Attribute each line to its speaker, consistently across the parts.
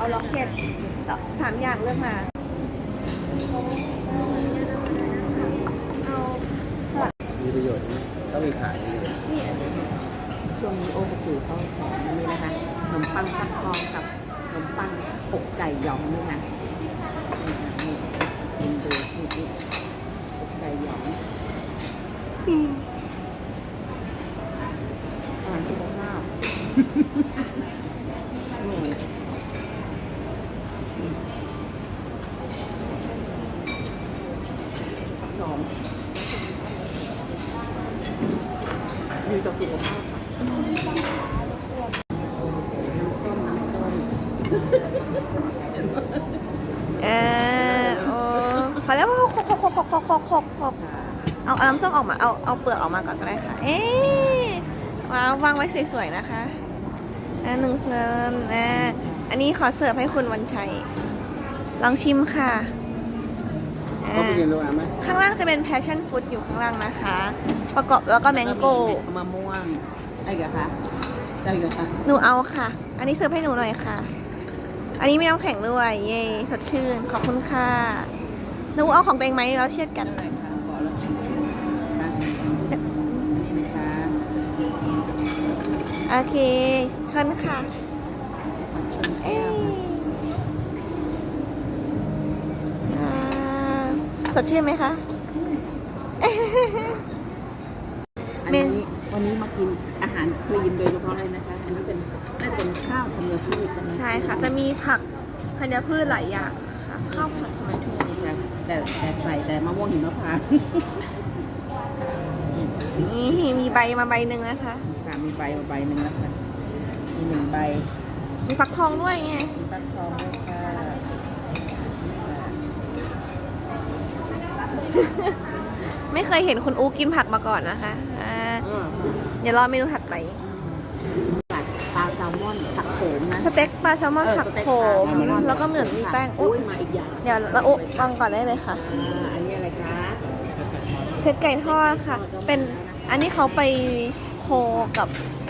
Speaker 1: เอาล็อกเก็ต3 อย่างเลือกมาเอา
Speaker 2: มีประโยชน์นะเขามีขายนี่
Speaker 3: ช่วงนี้โอ้กระจูเขาแถมนี่นะคะขนมปังฟักทองกับขนมปังอกไก่หยองนี่นะนี่ดูนี่อกไก่หยองอาหารสุขภาพหอมดีต่อสุขภาพน้ำส้ม
Speaker 1: โอ้พอแล้วขกเอาน้ำส้มออกมาเอาเปลือกออกมาก่อนก็ได้ค่ะวางไว้สวยๆนะคะ1 เซิร์ฟอันนี้ขอเสิร์ฟให้คุณวันชัยลองชิมค่ะ
Speaker 2: เขาไปกินโรงแรมไหม
Speaker 1: ข้างล่างจะเป็น passion fruit อยู่ข้างล่างนะคะ ประกอบแล้วก็แมงโก้
Speaker 3: มะม่วงอะไรกันคะได้กันคะ
Speaker 1: หนูเอาค่ะ อันนี้เสิร์ฟให้หนูหน่อยค่ะ อันนี้มีน้ำแข็งด้วยเย่สดชื่นขอบคุณค่ะหนูเอาของตัวเองไหมแล้วเชียดกัน
Speaker 3: เลยค่ะขอแล้วชิมค่ะอันนี้นะคะ
Speaker 1: โอเคเชิญค่ะสดชื่นไหมคะ
Speaker 3: วันนี้มากินอาหารคลีนโดยเฉพาะเลยนะคะอันนี้น่าจะเป็นข้าวธัญพืช
Speaker 1: ใช่ค่ะจะมีผักธัญพืชหลายอย่างค่ะข้าวผัดธัญพืช
Speaker 3: แต่ใส่แต่มะม่วงหิมพานต์
Speaker 1: นี่มีใบมาใบหนึ่งนะคะ
Speaker 3: ค่ะมีใบมาใบหนึ่งนะคะมี1 ใบ
Speaker 1: มีฟักทองด้วยไง
Speaker 3: มีฟักทองด้วยค่ะ
Speaker 1: ไม่เคยเห็นคุณอูกินผักมาก่อนนะคะเดี๋ยวรอเมนูถัดไป
Speaker 3: ปลาแซลมอนผักโขมนะ
Speaker 1: สเต็กปลาแซลมอนผักโขมแล้วก็เหมือนมีแป้ง
Speaker 3: อุ้ยมาอีกอย่าง
Speaker 1: เดี๋ยวเราวางก่อนได้เลยค่ะ
Speaker 3: อันนี้อะไรคะ
Speaker 1: เซตไก่ทอดค่ะเป็นอันนี้เขาไปโคกับ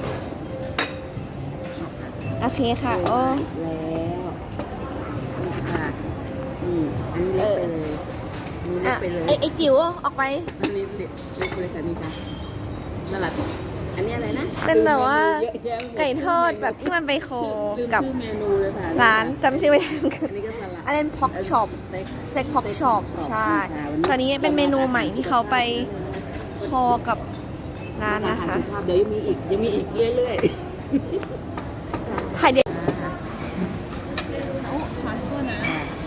Speaker 1: โอเคค่ะโอ้
Speaker 3: แล้วค่ะนี่อันนี้เล็กไปเลยนี่เล็กไปเลย
Speaker 1: ไอจิ๋วออกไป
Speaker 3: อันนี้เล็กไปเลยค่ะนี่ค่ะนั่นแหละอันนี้อะไรนะ
Speaker 1: เป็นแบบว่าไก่ทอดแบบที่มันไปโคกับ
Speaker 3: เมนูเลยค่ะ
Speaker 1: ร้านจำชื่อไม่ได้
Speaker 3: อันนี้ก็สลัด
Speaker 1: อันนั้นพ็อกช็อปเซ็กพ็อกช็อปใช่ตอนนี้เป็นเมนูใหม่ที่เขาไปโคกับร้านนะคะ
Speaker 3: เดี๋ยวยังมีอีกเรื่อยๆ
Speaker 1: ถ่ายเด็กขอโทษนะ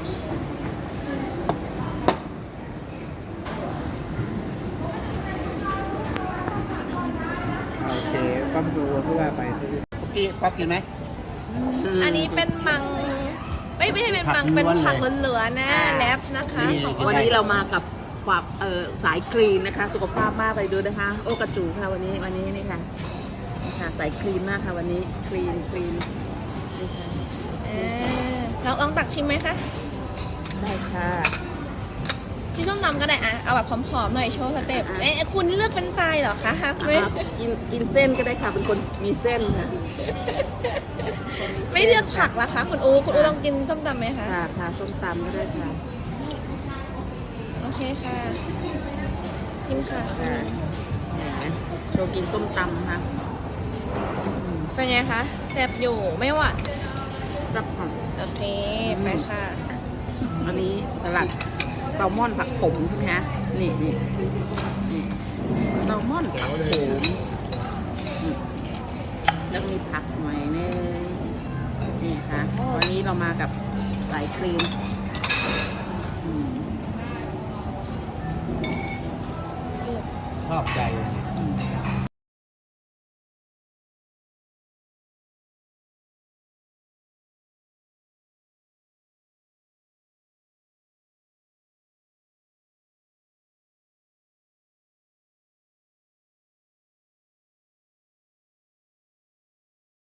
Speaker 2: โอเคปั๊มดูเพื่อไปซื้อ
Speaker 3: ป๊อปกินไหม
Speaker 1: อันนี้เป็นมังไม่ใช่เป็นมังเป็นผักเหลือๆนะแลบนะคะ
Speaker 3: วันนี้เรามากับความสายคลีนนะคะสุขภาพมากไปดูนะคะโอกระจูค่ะวันนี้นี่ค่ะสายคลีนมากค่ะวันนี้คลีนนี่ค่ะ
Speaker 1: เราลองตักชิมไหมคะ
Speaker 3: ได้ค่ะ
Speaker 1: ชิมส้มตำก็ได้อ่ะเอาแบบผอมๆหน่อยโชว์สเต็ปคุณเลือกเป็นไฟเหรอคะฮักไม่
Speaker 3: กินเส้นก็ได้ค่ะเป็นคนมีเส้นค่ะ
Speaker 1: ไม่เลือกผักล่ะคะคุณอูลองกินส้มตำไหมคะ
Speaker 3: ค่ะส้มตำก็ได้ค่ะ
Speaker 1: โอเคค่ะกินค่ะ
Speaker 3: โชว์กินส้มตำค่ะ
Speaker 1: เป็นไงคะแซ่บอยู่ไม่หวาน
Speaker 3: รับผ่อน
Speaker 1: โอเคไปค่ะ
Speaker 3: อันนี้สลัดแซลมอนผักขมใช่ไหมคะนี่แซลมอนผักขมแล้วมีผักหน่อยนึงนี่ค่ะวันนี้เรามากับสายครีม
Speaker 2: ชอบใจ